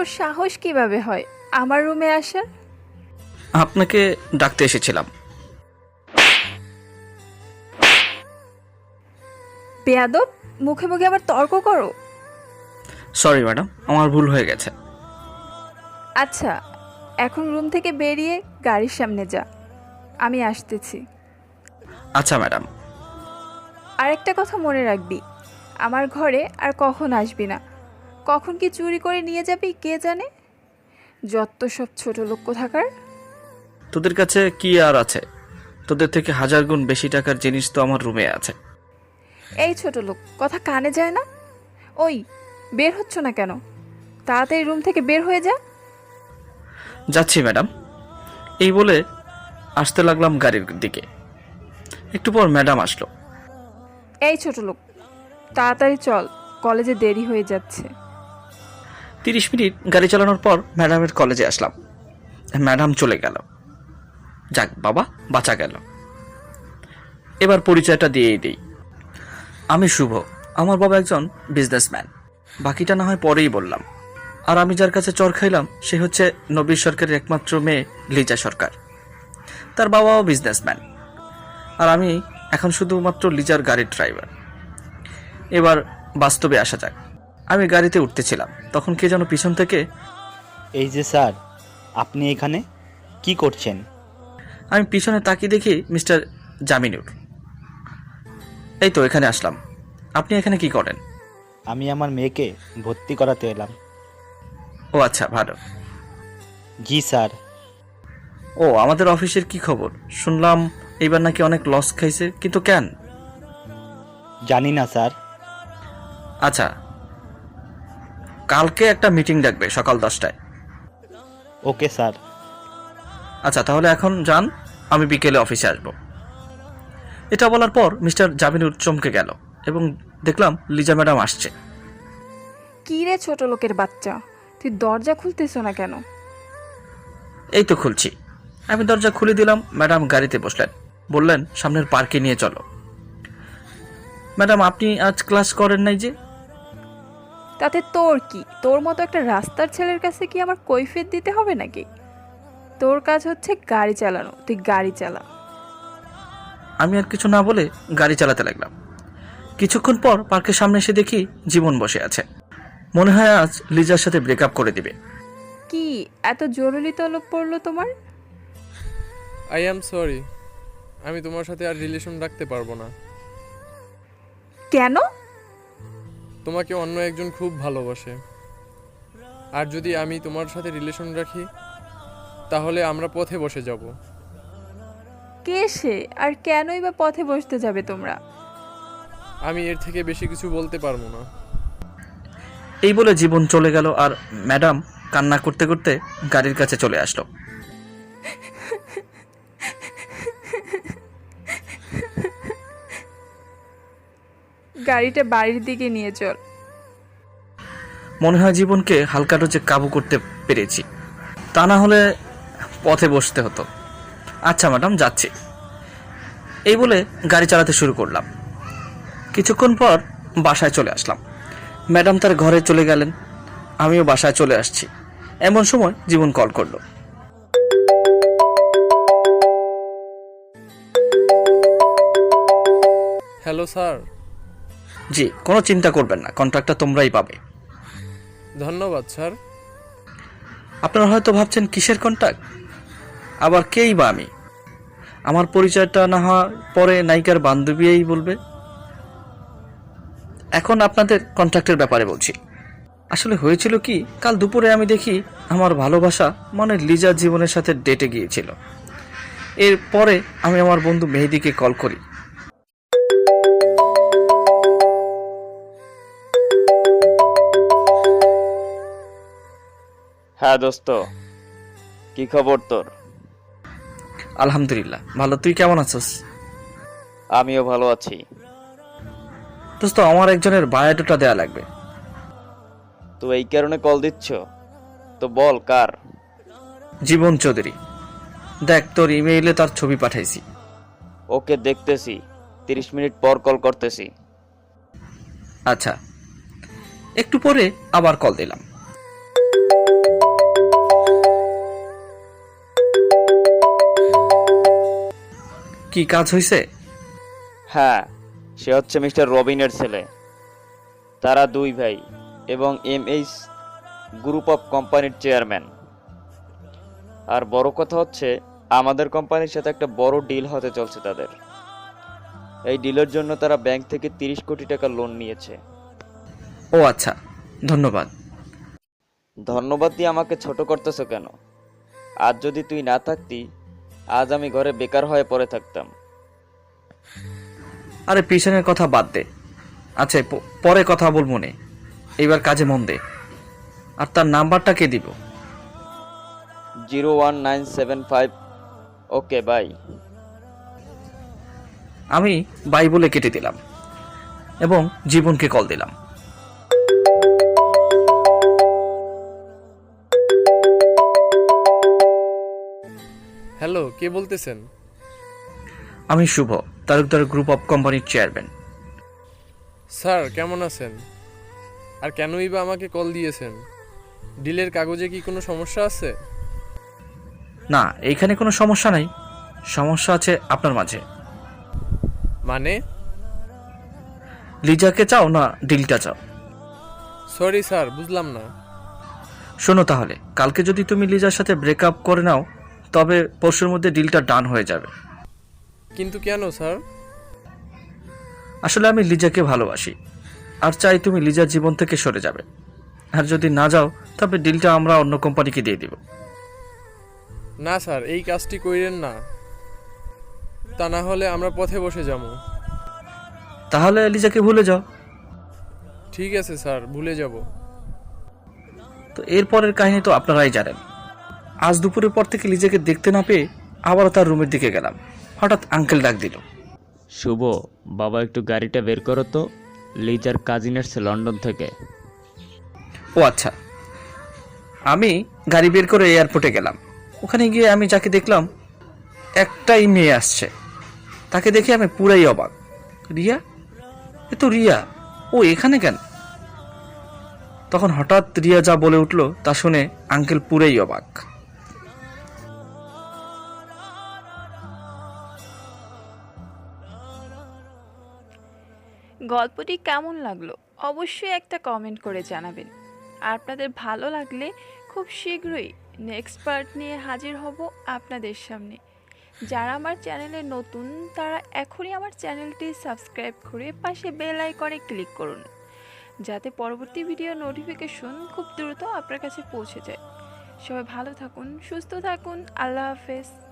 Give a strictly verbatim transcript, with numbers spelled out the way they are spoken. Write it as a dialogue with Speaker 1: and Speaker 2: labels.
Speaker 1: তোর সাহস কিভাবে হয় আমার রুমে আসার?
Speaker 2: আপনাকে ডাকতে এসেছিলাম।
Speaker 1: বেয়াদব, মুখে মুখে আবার তর্ক করো।
Speaker 2: সরি ম্যাডাম, আমার ভুল হয়ে গেছে।
Speaker 1: আচ্ছা, এখন রুম থেকে বেরিয়ে গাড়ির সামনে যা, আমি আসতেছি।
Speaker 2: আচ্ছা ম্যাডাম।
Speaker 1: আরেকটা কথা মনে রাখবি, আমার ঘরে আর কখন আসবি না। কখন কি চুরি করে নিয়ে যাবি কে জানে। যত সব ছোট লোক কোথাকার।
Speaker 2: তোদের কাছে কি আর আছে? তোদের থেকে হাজার গুণ বেশি টাকার জিনিস তো আমার রুমে আছে।
Speaker 1: এই ছোট লোক, কথা কানে যায় না? ওই, বের হচ্ছ না কেন? তাড়াতাড়ি রুম থেকে বের হয়ে যা।
Speaker 2: যাচ্ছি ম্যাডাম। এই বলে আসতে লাগলাম গাড়ির দিকে। একটু পর ম্যাডাম আসলো।
Speaker 1: এই ছোট লোক, তাড়াতাড়ি চল, কলেজে দেরি হয়ে যাচ্ছে।
Speaker 2: তিরিশ মিনিট গাড়ি চালানোর পর ম্যাডামের কলেজে আসলাম। ম্যাডাম চলে গেল। যাক বাবা, বাঁচা গেল। এবার পরিচয়টা দিয়েই দিই। আমি শুভ। আমার বাবা একজন বিজনেসম্যান। বাকিটা না হয় পরেই বললাম। আর আমি যার কাছে চর খাইলাম সে হচ্ছে নবীর সরকারের একমাত্র মেয়ে লিজা সরকার। তার বাবাও বিজনেসম্যান। আর আমি এখন শুধুমাত্র লিজার গাড়ির ড্রাইভার। এবার বাস্তবে আসা যাক। আমি গাড়িতে উঠতেছিলাম, তখন কে যেন পিছন থেকে,
Speaker 3: এই যে স্যার, আপনি এখানে কি করছেন?
Speaker 2: আমি পিছনে তাকিয়ে দেখি মিস্টার জামিনুর। এই তো এখানে আসলাম। আপনি এখানে কি করেন?
Speaker 3: আমি আমার মেয়েকে ভর্তি করাতে এলাম।
Speaker 2: ও আচ্ছা, ভালো।
Speaker 3: জি স্যার।
Speaker 2: ও, আমাদের অফিসের কি খবর? শুনলাম এইবার নাকি অনেক লস খাইছে, কিন্তু কেন?
Speaker 3: জানি না স্যার।
Speaker 2: আচ্ছা, কালকে একটা মিটিং ডাকবে সকাল দশটায়।
Speaker 3: Okay sir.
Speaker 2: আচ্ছা তাহলে এখন যান, আমি বিকেলে অফিসে আসব। এটা বলার পর মিস্টার জামিনুর চমকে গেল এবং দেখলাম লিজা ম্যাডাম আসছে।
Speaker 1: কি রে ছোট লোকের বাচ্চা, তুই দরজা খুলতেছ না কেন?
Speaker 2: এই তো খুলছি। আমি দরজা খুলে দিলাম। ম্যাডাম গাড়িতে বসলেন, বললেন সামনের পার্কে নিয়ে চলো। ম্যাডাম, আপনি আজ ক্লাস করেন নাই যে?
Speaker 1: তাতে তোর কি? তোর মতো একটা রাস্তার ছেলের কাছে কি আমার কৈফিয়ত দিতে হবে নাকি? তোর কাজ হচ্ছে গাড়ি চালানো, তুই গাড়ি চালা।
Speaker 2: আমি আর কিছু না বলে গাড়ি চালাতে লাগলাম। কিছুক্ষণ পর পার্কের সামনে এসে দেখি জীবন বসে আছে। মনে হয় আজ লিজার সাথে ব্রেকআপ করে দিবে।
Speaker 1: কি এত জরুরি তলব পড়লো তোমার?
Speaker 4: আই অ্যাম সরি, আমি তোমার সাথে আর রিলেশন রাখতে পারবো না।
Speaker 1: কেন?
Speaker 4: তোমাকে অন্য একজন খুব ভালোবাসে, আর যদি আমি তোমার সাথে রিলেশন রাখি তাহলে আমরা পথে বসে যাব।
Speaker 1: কে সে, আর কেনই বা পথে বসতে যাবে তোমরা?
Speaker 4: আমি এর থেকে বেশি কিছু বলতে পারবো না।
Speaker 2: এই বলে জীবন চলে গেল আর ম্যাডাম কান্না করতে করতে গাড়ির কাছে চলে আসলো।
Speaker 1: গাড়িটা বাড়ির দিকে নিয়ে চল।
Speaker 2: মনে হয় জীবনকে হালকা ডোজে কাবু করতে পেরেছি, তা না হলে পথে বসতে হতো। আচ্ছা ম্যাডাম, যাচ্ছি। এই বলে গাড়ি চালাতে শুরু করলাম। কিছুক্ষণ পর বাসায় চলে আসলাম। ম্যাডাম তার ঘরে চলে গেলেন, আমিও বাসায় চলে আসছি। এমন সময় জীবন কল করলো।
Speaker 4: Hello sir.
Speaker 2: জি, কোনো চিন্তা করবেন না, কন্ট্রাক্টটা তোমরাই পাবে।
Speaker 4: ধন্যবাদ স্যার।
Speaker 2: আপনারা হয়তো ভাবছেন কিসের কন্ট্রাক্ট, আবার কেই বা আমি? আমার পরিচয়টা না হওয়ার পরে নায়িকার বান্ধবীই বলবে। এখন আপনাদের কন্ট্রাক্টের ব্যাপারে বলছি। আসলে হয়েছিল কি, কাল দুপুরে আমি দেখি আমার ভালোবাসা মানে লিজার জীবনের সাথে ডেটে গিয়েছিল। এরপরে আমি আমার বন্ধু মেহেদিকে কল করি।
Speaker 5: হ্যাঁ দোস্ত, কি খবর তোর?
Speaker 2: আলহামদুলিল্লাহ ভালো, তুই কেমন আছিস?
Speaker 5: আমিও ভালো আছি।
Speaker 2: দোস্ত, আমার একজনের বায়োডাটা দেয়া লাগবে।
Speaker 5: তো এই কারণে কল দিচ্ছ? তো বল কার?
Speaker 2: জীবন চৌধুরী। দেখ, তোর ইমেইলে তার ছবি পাঠাইছি।
Speaker 5: ওকে, দেখতেছি। তিরিশ মিনিট পর কল করতেছি।
Speaker 2: আচ্ছা, একটু পরে আবার কল দিলাম। কি কাজ হয়েছে?
Speaker 5: হ্যাঁ, সে হচ্ছে মিস্টার রবিনের ছেলে। তারা দুই ভাই এবং এমএইচ গ্রুপ অফ কোম্পানির চেয়ারম্যান। আর বড় কথা হচ্ছে আমাদের কোম্পানির সাথে একটা বড় ডিল হতে চলছে তাদের। এই ডিলের জন্য তারা ব্যাংক থেকে তিরিশ কোটি টাকা লোন নিয়েছে।
Speaker 2: ও আচ্ছা, ধন্যবাদ।
Speaker 5: ধন্যবাদ দিয়ে আমাকে ছোট করতেছো কেন? আজ যদি তুই না থাকতি, আজ আমি ঘরে বেকার হয়ে পড়ে থাকতাম।
Speaker 2: আরে পিছনের কথা বাদ দে। আচ্ছা, প- পরে কথা বলবো নে, এইবার কাজে মন দে। আর তার নাম্বারটা কে দিব?
Speaker 5: Zero one nine seven five. Okay, bye.
Speaker 2: আমি বাই বলে কেটে দিলাম এবং জীবনকে কল দিলাম।
Speaker 4: হ্যালো, কে বলতেছেন?
Speaker 2: আমি শুভ, তালুকদার গ্রুপ অফ কোম্পানির চেয়ারম্যান।
Speaker 4: স্যার কেমন আছেন? আর কেনই বা আমাকে কল দিয়েছেন? ডিলের কাগজে কি কোনো সমস্যা আছে?
Speaker 2: না, এইখানে কোনো সমস্যা নাই। সমস্যা আছে আপনার মাঝে।
Speaker 4: মানে?
Speaker 2: লিজাকে চাও না ডিলটা চাও?
Speaker 4: সরি স্যার, বুঝলাম না।
Speaker 2: শোনো তাহলে, কালকে যদি তুমি লিজার সাথে ব্রেকআপ করে নাও তবে পরশুর মধ্যে ডিলটা ডান হয়ে যাবে।
Speaker 4: কিন্তু কেন স্যার?
Speaker 2: আসলে আমি লিজাকে ভালোবাসি আর চাই তুমি লিজার জীবন থেকে সরে যাবে। আর যদি না যাও তবে ডিলটা আমরা অন্য কোম্পানিকে দিয়ে দিব।
Speaker 4: না স্যার, এই কাজটি কইরেন না। তা না হলে আমরা পথে বসে যাবো।
Speaker 2: তাহলে লিজাকে ভুলে যাও।
Speaker 4: ঠিক আছে স্যার, ভুলে যাব।
Speaker 2: তো এরপরের কাহিনী তো আপনারাই জানেন। আজ দুপুরের পর থেকে লিজাকে দেখতে না পেয়ে আবারও তার রুমের দিকে গেলাম। হঠাৎ আঙ্কেল ডাক দিল।
Speaker 6: শুভ, বাবা একটু গাড়িটা বের করো তো, লিজার কাজিন এসছে লন্ডন থেকে।
Speaker 2: ও আচ্ছা। আমি গাড়ি বের করে এয়ারপোর্টে গেলাম। ওখানে গিয়ে আমি যাকে দেখলাম, একটাই মেয়ে আসছে। তাকে দেখে আমি পুরাই অবাক। রিয়া? এ তো রিয়া, ও এখানে কেন? তখন হঠাৎ রিয়া যা বলে উঠল তা শুনে আঙ্কেল পুরাই অবাক।
Speaker 1: গল্পটি কেমন লাগলো অবশ্যই একটা কমেন্ট করে জানাবেন। আর আপনাদের ভালো লাগলে খুব শীঘ্রই নেক্সট পার্ট নিয়ে হাজির হব আপনাদের সামনে। যারা আমার চ্যানেলে নতুন তারা এখনই আমার চ্যানেলটি সাবস্ক্রাইব করে পাশে বেল আইকনে ক্লিক করুন, যাতে পরবর্তী ভিডিও নোটিফিকেশন খুব দ্রুত আপনার কাছে পৌঁছে যায়। সবাই ভালো থাকুন, সুস্থ থাকুন, আল্লাহ হাফেজ।